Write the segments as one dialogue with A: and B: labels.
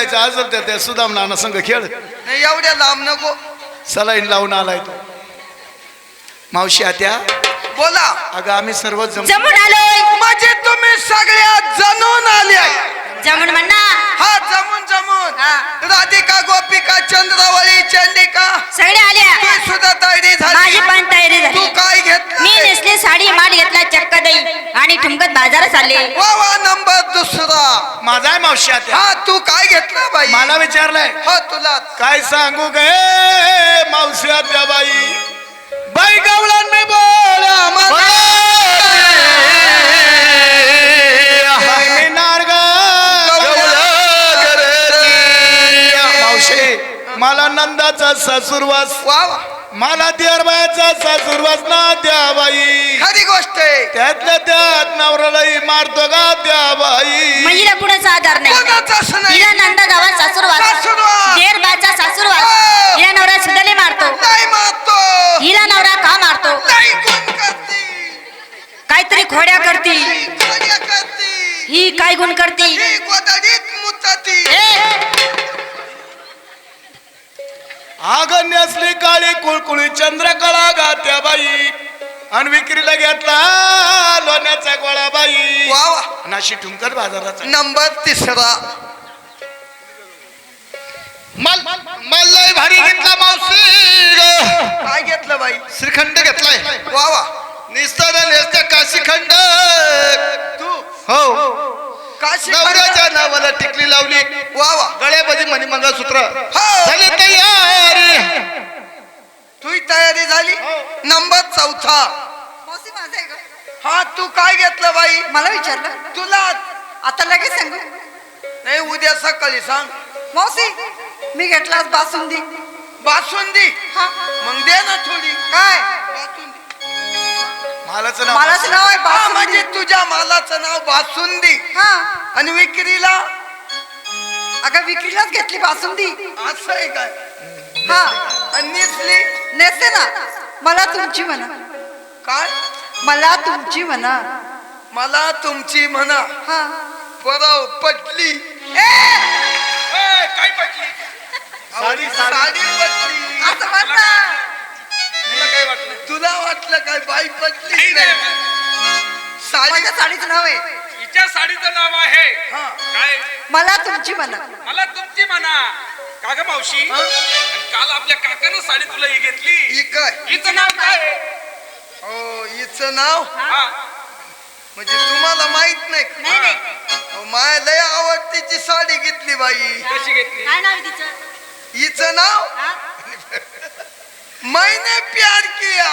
A: खेळायचं असेल तर त्या सुदाम नाना संघ खेळ.
B: नाही एवढ्या लांब नको.
A: सलाईन लावून आलाय तो. मावशी आत्या
B: बोला.
A: अगं आम्ही सर्व
C: जमून आलोय.
B: म्हणजे तुम्ही सगळ्या जमून आल्या.
C: जमून म्हणा.
B: हा जमून जमून. राधिका गोपिका चंद्रावळी चंडिका
C: सगळे आल्या.
B: तू सुद्धा तयारी झाली.
C: माझी पण तयारी झाली.
B: तू काय घेतलं?
C: मी नेसले साडी माल घेतला चक्क दही आणि ठुमकत बाजारात चालले.
B: वा वा नंबर दुसरा
A: माझा आहे मावशी आत्या.
B: हा तू काय घेतलं बाई?
A: मला विचारलंय.
B: हो तुला
A: काय सांगू गे मावशी आत्या बाई. बाई गावलान मी बोला मावशी मला नंदाचा सासूरवास.
B: वा वा
A: मला देरबायाचा सासूरवास ना द्या बाई.
B: खरी गोष्ट आहे.
A: त्यातल्या त्यात नवऱ्यालाही मारतो का द्या बाई.
C: महिला कुणाचा आधार नाही.
B: कोणाचाच नाही.
C: हिला नंदा गावात सासूरवास.
B: सासूरवास.
C: देर बाचा सासूरवास.
B: हो.
C: हिला नवरा सुद्धाले मारतो.
B: नाही मारतो.
C: हिला नवरा का मारतो?
B: नाही गुण करती.
C: काहीतरी खोड्या करती.
B: खोड्या करती.
C: ही काय गुण करती?
B: ही गोदडीत मुताती.
A: आगण्य असली काळी कुळकुळी चंद्रकळा गात्या बाई. आणि विक्रीला घेतला लोण्याचा गोळा बाई.
B: वा वा
A: नाशी ठुमकर बाजाराचा.
B: नंबर तिसरा
A: मल्लाई भारी घेतला मावशी.
B: काय घेतलं बाई?
A: श्रीखंड घेतलाय.
B: वा वा
A: निस्तारा नेसत्या काशीखंड.
B: तू
A: हो
B: काशी
A: नवऱ्याच्या नावाला टिकली लावली.
B: वा वा
A: गळ्यामध्ये मणी मंगळसूत्र.
B: हो.
A: झाली तयारी.
B: तुझी तयारी झाली. नंबर चौथा हा तू काय घेतलं बाई?
D: मला विचारलं
B: तुला
D: आता लगेच सांगू.
B: नाही उद्या सकाळी सांग.
D: मावशी मी घेतला बासुंदी.
B: बासुंदी.
D: हा
B: मग दे ना थोडी.
D: काय
B: बासुंदी.
A: मालाचं नाव
D: मालाच नाव आहे
B: हा,
D: बासुंदी.
B: म्हणजे तुझ्या मालाचं नाव बासुंदी.
D: हा
B: आणि विक्रीला
D: अगं विक्रीलाच घेतली बासुंदी.
B: असं आहे काय?
D: हा
B: आणि नेसली
D: नेसते ना. मला तुमची म्हणा.
B: काय?
D: मला तुमची म्हणा.
B: मला तुमची म्हणा.
D: हा
B: परव पटली.
E: काय पटली?
B: साडी पटली.
D: असं म्हणता.
E: तुला काय वाटलं?
B: तुला वाटलं काय बाई पटली?
E: नाही,
B: नाही.
E: नाही.
B: साडी
D: माझ्या साडीचं नाव आहे.
E: हिच्या साडीचं नाव आहे
B: हा.
E: काय?
D: मला तुमची म्हणा.
E: मला तुमची म्हणा. का ग मावशी?
B: हा?
E: आणि काल आपल्या काकानं साडी तुला ही घेतली.
B: ही काय?
E: हिचं नाव काय आहे?
B: हो हिचं नाव
E: हा.
B: म्हणजे तुम्हाला माहित नाही का?
C: नाही नाही.
B: अहो, माया लय आवडतीची साडी घेतली बाई.
E: कशी घेतली?
C: काय नाव आहे तिचं?
B: हिचं नाव
C: हा?
B: मैंने प्यार किया.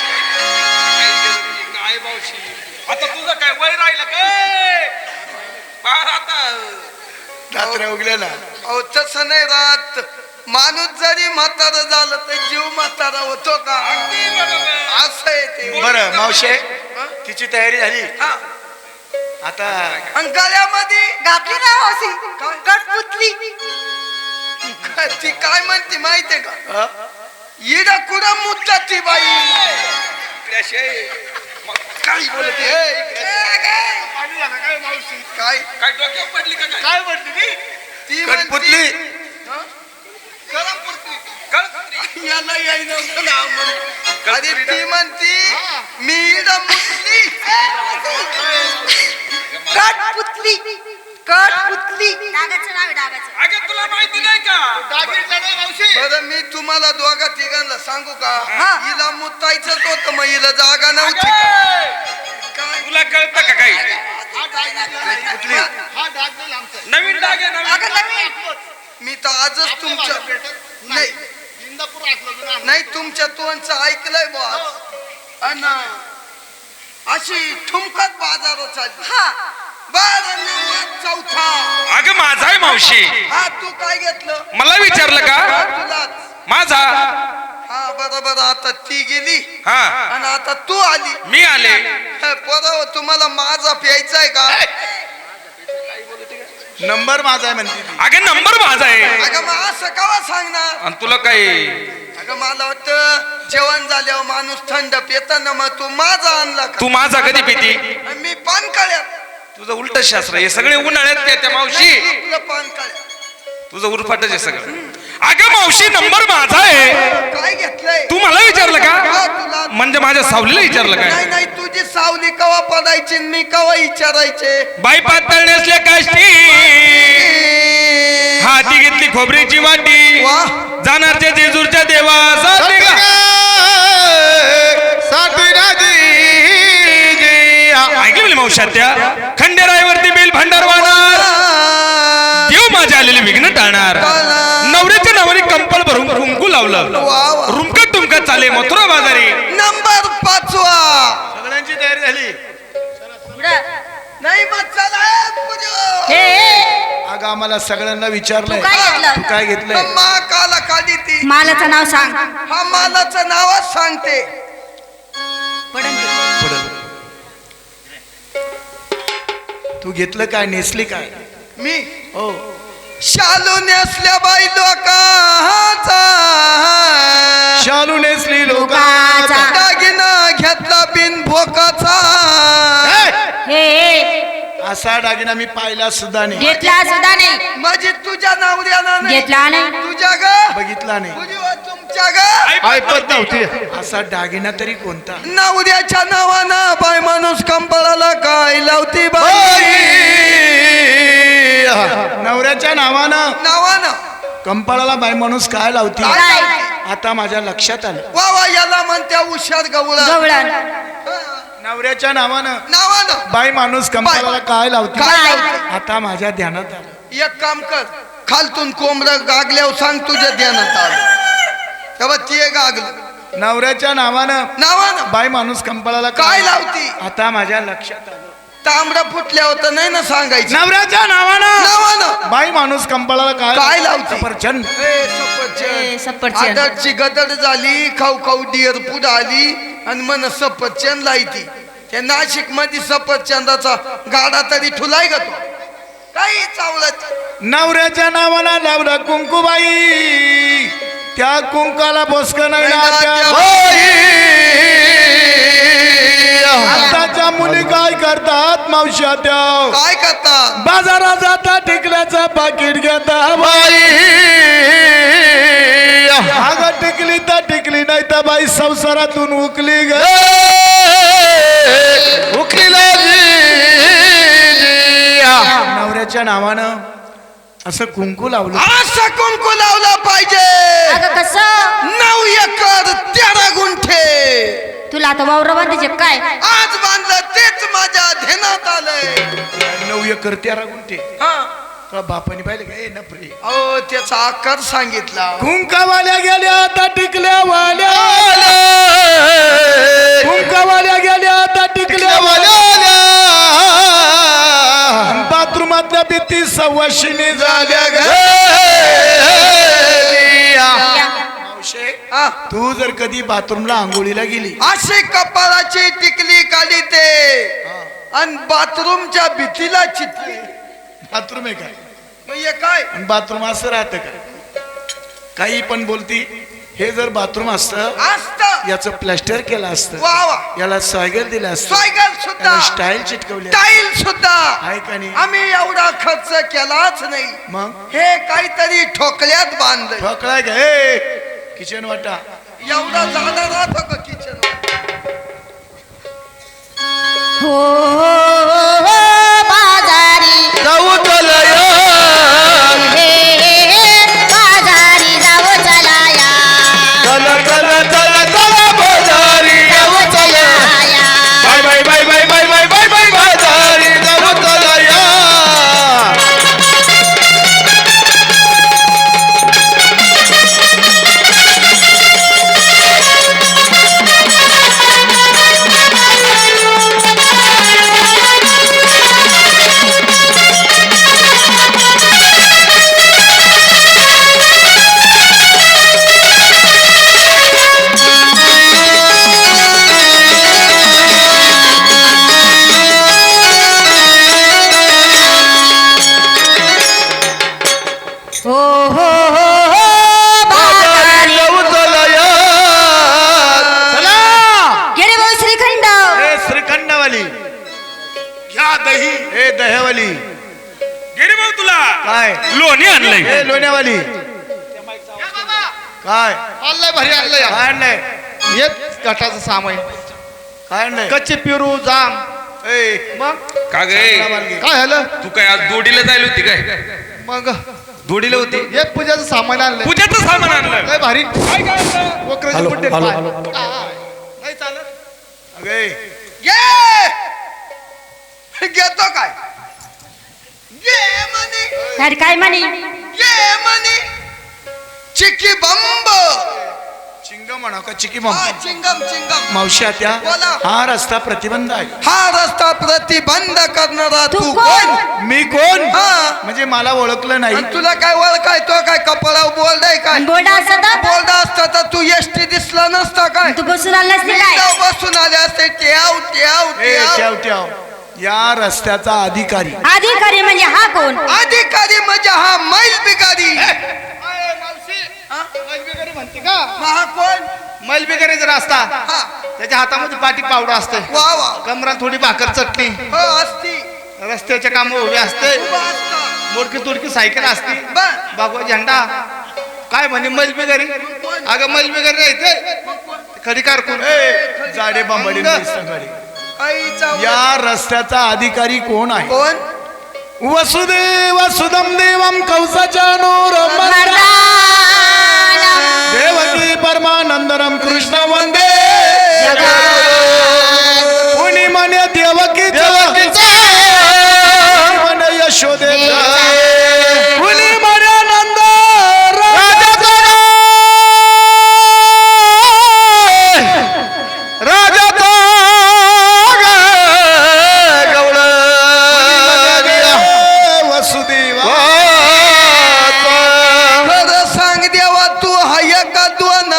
E: काय मावशी? आता तुझं काय वय राहिलं काय? बाहेर आता
A: रात्र उगल्या ना.
B: अहो तसं नाही राहत. माणूस जरी म्हातारा झालं तर जीव म्हातारा होतो का?
E: अगदी बरोबर.
B: असं आहे ते.
A: बरं मावशी
B: हा?
A: तिची तयारी झाली.
B: हा.
A: आता
B: आणि गळ्यामध्ये
D: घातली ना मावशी कटपुतली.
B: ती काय म्हणते माहितीये का?
A: अ?
B: इड कुठं मुद्दा ती बाई.
E: इकड्याशिवाय मग
B: काय बोलते? काय
E: काय डोक्यावर पडली का काय?
A: काय म्हणते
B: ती
A: कटपुतली.
B: हं? कळपुतली.
E: कळपुतली.
B: याला याय नव्हतं नाव म्हणून. अरे ती म्हणती मी इड मुतली.
D: कटपुतली. कटपुतली.
C: डागाचं नाव आहे डागाचं.
E: अगं तुला माहिती नाही का?
B: बरं मी तुम्हाला दोघा तिघांना सांगू का?
D: हा.
B: हिला मुतायचंच होतं मग हिला जागा नव्हती का?
E: अगं,
B: काय?
E: तुला कळतं का काही?
A: कटपुतली.
E: नवीन डाग आहे नवीन.
D: अगं नवीन.
B: मी तर आजच तुमच्या नाही नाही तुमच्या तोंडचं ऐकलंय बॉस. अन अशी ठुमकत बाजारात चालली.
D: हा
B: बरं नंबर चौथा.
E: अगं माझा आहे मावशी.
B: हा तू काय घेतलं?
E: मला विचारलं का?
B: तुलाच.
E: माझा.
B: हा बरोबर. आता ती गेली
E: हा.
B: आणि आता तू आली.
E: मी आले.
B: बरोबर. तुम्हाला माझा प्यायचा आहे का?
A: नंबर माझा आहे म्हणते ती.
E: अगं नंबर माझा आहे.
B: अगं मग असं कवा सांगणार?
E: आणि तुला काय?
B: अगं मला वाटतं जेवण झाल्यावर माणूस थंड पेताना मग तू माझा आणला का?
E: तू माझा कधी पिती?
B: मी पान काळ्यात.
E: तुझं उलट शास्त्र हे सगळे उन्हाळ्यात त्या मावशी.
B: आपलं पान काळ्यात.
E: तुझं उरफाटच आहे सगळं. अगं मावशी नंबर माझा आहे.
B: काय घेतलंय
E: तू मला विचारलं
B: का
E: का?
B: तुला
E: म्हणजे माझ्या सावलीला विचारलं
B: नाही
E: काय?
B: नाही तुझी सावली कवा पडायची आणि मी कवा विचारायचे
E: बाई पातळ नेसल्या काष्टी, हाती घेतली खोबरीची वाटी,
B: वा.
E: जाणारच्या जेजूरच्या देवासाठी ऐकली म्हणली मावशात त्या खंडेरायवरती बेल भांडार वाहणार, देव माझ्या आलेले विघ्न टाळणार. नवऱ्याच्या नावाने कंपल भरून कुंकू लावलं,
B: वा, वा.
E: रुमकत तुमकत चाले मथुरा बाजारी.
B: नंबर 5वा
A: सगळ्यांची तयारी झाली.
B: नाही मग चला
C: हे, हे
A: अगं आम्हाला सगळ्यांना विचारलंय
C: तू काय घेतलं?
A: तू काय घेतलंय?
B: मा काला काढी ती
C: मालाचं नाव सांग.
B: हा मालाचं नावच सांगते
C: पडन ते.
A: पुढं. तू घेतलं काय नेसली काय?
B: मी
A: हो
B: शालू नेसल्या बाई लोकाचा
A: शालू नेसली
C: लोकाचा.
A: लोकाचा.
B: दागिना घेतला बिन भोकाचा
C: हे, हे
A: असा दागिना मी पाहिला सुद्धा नाही,
C: घेतला सुद्धा नाही.
B: माझी तुझ्या नवऱ्याला नाही
C: घेतला नाही.
B: तुझ्या ग
A: बघितला नाही.
B: तुझी व तुमच्या ग
A: ऐपत नव्हती. असा दागिना तरी कोणता?
B: नवऱ्याच्या नावानं बाय माणूस कंपळाला काय लावती बाई
A: नवऱ्याच्या नावानं
B: नावानं
A: कंपाळाला बाई माणूस काय लावती?
B: काय?
A: आता माझ्या लक्षात आलं.
B: वा वा याला म्हणत्या हुशार गवळा
C: गवळण.
A: नवऱ्याच्या नावानं
B: नावानं
A: बाई माणूस कंपाळाला काय लावती?
B: काय?
A: आता माझ्या ध्यानात आलं.
B: एक काम कर खालतून कोंबड गागल्यावर सांग तुझ्या ध्यानात आलं तेव्हा ते गागलं
A: नवऱ्याच्या नावानं
B: नावानं
A: बाई माणूस कंपाळाला
B: काय लावती?
A: आता माझ्या लक्षात आलं.
B: तांबडा फुटल्या होतं नाही ना सांगायचं
A: नवऱ्याच्या नावानं
B: नावानं
A: बाई माणूस कंपाळाला
B: काय लावती?
A: सफरचंद.
C: ए, सफरचंद.
B: आदरची गदड झाली खाऊ खाऊ डिअर पुढे आली आणि मन सफरचंद लायती त्या नाशिक मध्ये सफरचंदाचा गाडा तरी ठुलाय ग तो काही चावलत
A: नवऱ्याच्या नावानं लावलं कुंकुबाई, त्या कुंकाला बोसक नाही
B: नाही
A: ना त्या
B: ना
A: बाई. आताच्या मुली काय करतात मावश्या त्या?
B: काय करतात
A: बाजारात जाता टिकल्याचं पाकिट घेता बाई. अगं टिकली तर टिकली नाही तर बाई संसारातून उकली ग नवऱ्याच्या नावानं असं कुंकू लावलं.
B: असं कुंकू लावला पाहिजे
C: अगं कसं?
B: 9 एकर 13 गुंठे
C: तुला आता वावर बांधायचे काय?
B: आज बांधलं तेच माझ्या ध्यानात आलंय
A: 9 एकर 13 गुंठे.
B: हा
A: तुला बापाने पाहिलं का? ए नपरे.
B: अहो त्याचा आकार सांगितला
A: कुंकावाल्या गेल्या आता टिकल्या वाल्या, कुंकावाल्या गेल्या आता टिकल्या वाल्या. बाथरूमातल्या भीती सव्वाशिनी झाल्या ग. मावशे,
B: हा.
A: तू जर कधी बाथरूमला आंघोळीला गेली
B: अशी कपाळाची टिकली काढी ते आणि बाथरूमच्या भीतीला चितली
A: बाथरूम आहे काय?
B: मग हे काय
A: आणि बाथरूम असं राहतं का? काही पण बोलती. हे जर बाथरूम असतं
B: असत
A: याचं प्लॅस्टर केलं असतं,
B: वा वा
A: याला सायगल दिलं असतं,
B: सायकल सुद्धा
A: स्टाईल चिटकवली
B: टाईल सुद्धा
A: आहे का नाही?
B: आम्ही एवढा खर्च केलाच नाही
A: मग
B: हे काहीतरी ठोकल्यात बांधलंय
A: ठोकळाय का? हे किचन वाटा
B: एवढा जाणार राहतो का किचन
C: हो, हो, हो, बाजारी
A: जाऊ चलया.
C: हे, हे, हे, बाजारी जावं चलाया.
A: चला चला चला चला बाजारी जाऊ चलया. Bye bye bye bye bye bye bye bye बाजारी जाऊ चलया.
C: हो, हो, हो, हो, बाजारी.
A: जाऊ चलया. चला.
C: गेले भाऊ श्रीखंड.
A: ए श्रीखंडवाली घ्या दही. ए दह्यावाली
E: गेली भाऊ तुला
A: काय?
E: लोणी आणलंय. नाही
A: ए लोण्यावाली काय
F: आणलंय भारी आणलंय
A: काय आणलंय
F: येत घाटाचं सामान
A: काय आणलंय
F: कच्चे पेरू जाम
A: ए
F: मग
E: का गे
F: काय झालं
E: तू काय आज दोडीला जायला होती काय
F: मग
E: दोडीला होती
F: हे पूजाचं सामान आणलंय
E: पूजेचं सामान आणलं
F: लय भारी
E: काय काय आणलं?
F: वक्राचे बुड्डे पाय. नाही चालत
A: अगे
B: घेतो काय घे म्हणे
C: अरे काय म्हणे
B: घे म्हणे चिकी बंब
A: चिंगम म्हणा का चिकी
B: हा चिंगम चिंगम
A: मावशी आत्या
B: बोला.
A: हा रस्ता प्रतिबंध आहे
B: हा रस्ता प्रतिबंध करणारा
C: तू
B: तू
C: कोण?
B: कोण
A: मी कोण
B: हा.
A: म्हणजे मला ओळखलं नाही
B: आणि तुला काय ओळखाय तो काय कपाळा बोलडाय काय
C: बोर्ड असत
B: बोलडा असता तर तू एसटी दिसला नसता काय
C: तू बसून आला नसते काय
B: इथं बसून आले असते ट्याव ट्याव
A: ए
B: ट्याव
A: ठेव ठेव या रस्त्याचा अधिकारी
C: अधिकारी म्हणजे हा कोण
B: अधिकारी म्हणजे हा मैल बिगारी
F: म्हणते का
B: हा कोण
F: मैलबिगारीचा रस्ता
B: हा
F: त्याच्या हातामध्ये पाटी पावडा असते
B: वा वा
F: कमरात थोडी भाकर चटणी
B: हो असती
F: रस्त्याच्या काम उभे असते
B: उभा असता.
F: मोडकी तुडकी सायकल असते
B: बर.
F: बागवा झेंडा काय म्हणे मैलबिगारी अगं मैलबिगारी राहते खडी कारकून
A: ए जाडे बांबडी
B: आईचा
A: या रस्त्याचा अधिकारी कोण आहे
B: कोण
A: वसुदेव सुदम देवम कौसाच्या नूर देवकी परमानंदरम कृष्ण वंदे कुणी म्हणे देवकी म्हणे यशोदे कुणी म्हणे नंद वसुदेव
B: खरं सांग देवा तू हाय का दोन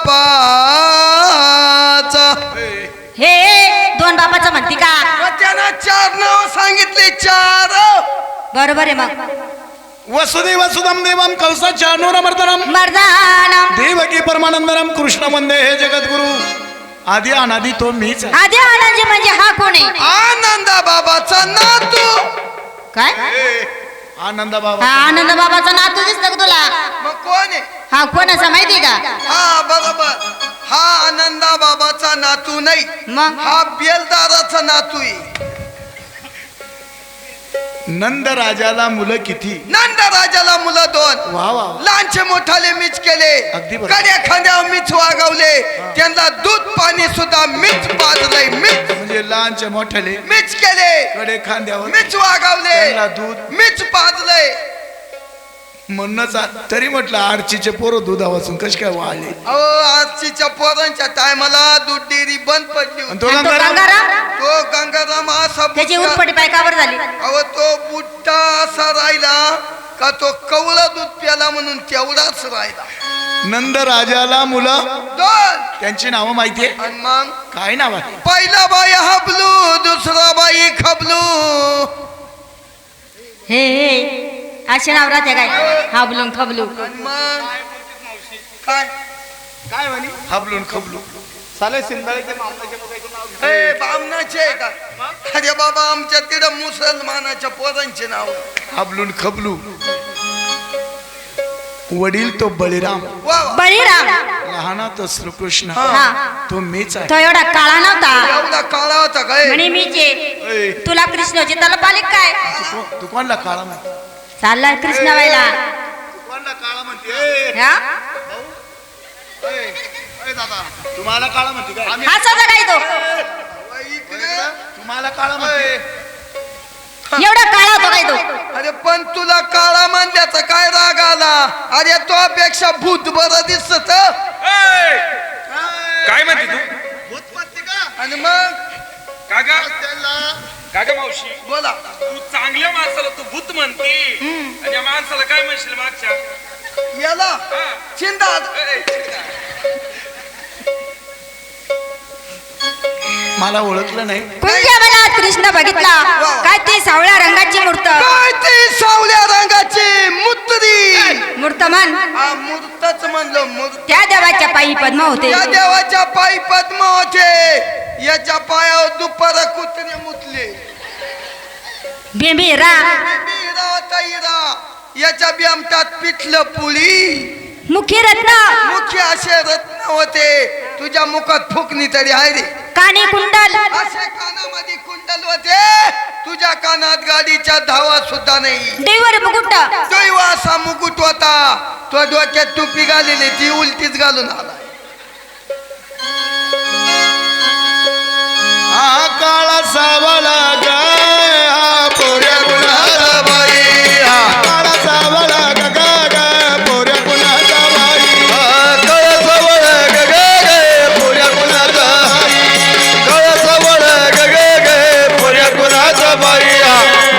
B: बापाचा
C: हे दोन बापाचं म्हणते का
B: मग त्यानं चार नाव सांगितले चार
C: बरोबर आहे मग
A: वसुदेव सुदम देवम कौसाच्या नूर
C: मर्दाना
A: देवकी परमानंदरम कृष्ण वंदे हे जगद्गुरु आधी अनादी तो मीच आहे.
C: आधी आनंद म्हणजे हा कोण आहे
B: आनंदा बाबाचा नातू
C: काय
A: आनंदा बाबा
C: हा आनंद बाबाचा नातू दिसतो का तुला
B: मग कोण आहे
C: हा कोणाचा माहिती का
B: हा बरोबर हा आनंदा बाबाचा नातू नाही
C: मग
B: हा बेलदाराचा नातू आहे
A: नंद राजाला मुलं किती
B: नंद राजाला मुलं दोन
A: वा वा
B: लहानचे मोठाले मीच केले
A: अगदी बरोबर.
B: कड्या खांद्यावर मीच वागवले त्यांना दूध पाणी सुद्धा मीच पाजलंय मीच
A: म्हणजे लहानचे मोठ्याले
B: मीच केले
A: कडे खांद्यावर
B: मीच वागवले
A: त्यांना दूध
B: मीच पाजलंय
A: म्हणूनच तरी म्हटलं आरचीचे पोरं दुधापासून कशी काय वाळले
B: अहो आजच्या पोरांच्या टायमाला दूध डेअरी बंद पडली
A: आणि
B: होती.
A: तो
C: आणि तो
A: गंगाराम?
C: गंगाराम
B: तो गंगाराम असा
C: त्याची
B: बुट्टा-
C: उरफटी पायकावर झाली
B: अहो तो बुट्टा असा राहिला का तो कवळं दूध प्याला म्हणून तेवढाच राहिला
A: नंद राजाला मुलं
B: दोन
A: त्यांची नावं माहितीये
B: आणि मग
A: काय नाव आहे
B: पहिला बाई हबलू दुसरा बाई खबलू
C: हे असे नाव राहते काय हाबलून खबलू
B: आणि मग काय
F: काय म्हणे
A: हाबलून खबलू
F: साले सिंधाळीच्या मामल्याच्या मुलाचं नाव घे.
B: ए बामणाचे आहे का अरे बाबा आमच्या तिकडं मुसलमानाच्या पोरांचे नाव
A: हाबलून खबलू वडील तो बळीराम
B: वा वा.
C: बळीराम
A: लहाना तो श्रीकृष्ण
C: हा
A: तो मीच आहे
C: तो एवढा काळा नव्हता
B: एवढा काळा होता काय
C: म्हणे मीच आहे.
A: ए,
C: तुला कृष्णाची तलप आली काय
A: तू कोणला काळा म्हणते
C: चालला कृष्ण व्हायला
F: कोणाला काळा म्हणते ए,
C: हा
F: ए, ए दादा
A: तुम्हाला काळा म्हणते काय
C: हसायचा काय तो
B: इकडे
A: तुम्हाला काळा म्हणते
C: एवढा काळा होतो काय तो
B: अरे पण तुला काळा मानल्याचा काय राग आला अरे तो पेक्षा भूत बरं दिसत
E: काय म्हणते तू
F: भूत म्हणते का
B: आणि मग
E: काका
F: त्याला
E: काका मावशी
B: बोला
E: तू चांगल्या माणसाला तू भूत म्हणते आणि या माणसाला काय म्हणशील मागच्या
B: याला चिंता
A: मला ओळखलं नाही
C: कोणत्या मनात कृष्ण बघितला काय ते सावळ्या रंगाची मूर्त
B: काय ती सावल्या रंगाची मुत्री
C: मूर्त म्हण
B: हा मूर्तच म्हणलं मूर्त
C: त्या देवाच्या पायी पद्म होते
B: या देवाच्या पायी पद्म होते याच्या पायावर दुपार कुत्रे मुतले
C: बेंबी रा
B: हिरा होता हिरा याच्या बी आमच्यात पिठलं पुळी
C: मुखी रत्न
B: मुख्य असे रत्न होते तुझ्या मुखात फुकणी तरी आहे रे
C: कानी कुंडल
B: असे कानामध्ये कुंडल होते तुझ्या कानात गाडीच्या धावा सुद्धा नाही
C: देवर मुकुट
B: दैव असा मुकुट होता तो डोक्यात टोपी घालेली ती उलटीच घालून आला
A: हा काळा सावळा ग हा पोऱ्या कुणाचा बाई हा काळा सावळा ग ग पोऱ्या कुणाचा बाई हा काळा सावळा ग ग पोऱ्या कुणाचा काळा सावळा ग ग पोऱ्या कुणाचा बाई हा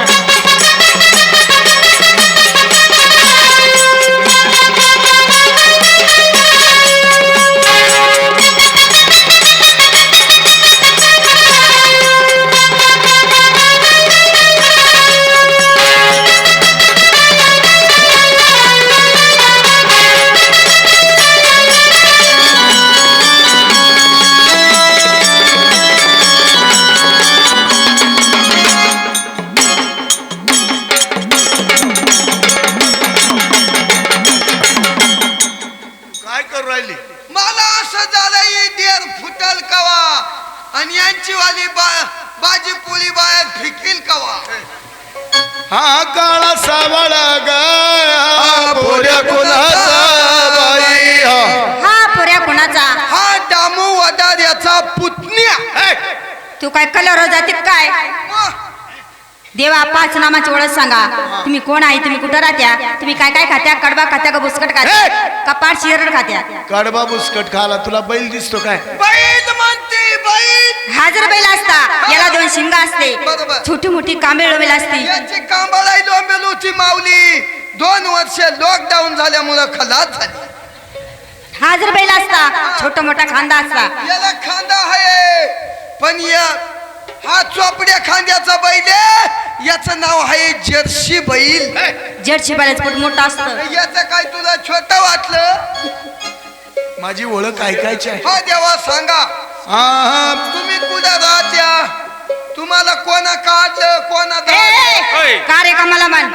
A: काय करू राहिली
B: मला असं झालं ही देर फुटल कवा आणि यांची वाली बाजी पोळी बाहेर फिकील कवा
A: हा काळा सावळा ग हा पोऱ्या कुणाचा बाई हा
C: हा पोऱ्या कुणाचा
B: हा दामू वदार याचा पुतण्या
A: हे,
C: तू काय कलर जाते काय देवा पाच नामाची ओळख सांगा तुम्ही कोण आहे तुम्ही कुठं राहत्या तुम्ही काय काय खात्या कडबा खात्या का बुसकट खात्या का पाठ शिरड खात्या
A: कडबा बुसकट खाला तुला बैल दिसतो काय
B: बैल म्हणते बैल
C: हाजर बैल असता याला दोन शिंग असते
B: बरोबर.
C: छोटी मोठी कांबे लोबेल असती
B: याची कांबळाई लोंबेलूची माऊली 2 वर्ष लॉकडाऊन झाल्यामुळं खलास झाली
C: हाजर बैल असता छोटा मोठा खांदा असता
B: याला खांदा आहे पण या हा चोपड्या खांद्याचा बैल आहे याचं नाव आहे जर्सी बैल
C: जर्सी बैलाच पोट मोठा असतं
B: याचं काय तुला छोट वाटलं
A: माझी ओळख ऐकायची आहे
B: हा देवा सांगा
A: हा
B: तुम्ही कुठं राहत्या तुम्हाला कोणा काढलं कोणा
E: होय.
C: कार्यक्रमाला मान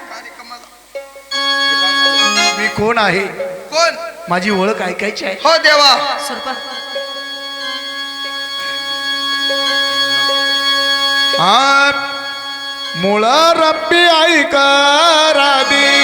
A: मी कोण आहे
B: कोण
A: माझी ओळख ऐकायची आहे
B: हो देवा
A: हा मुळा रब्बी ऐका राधी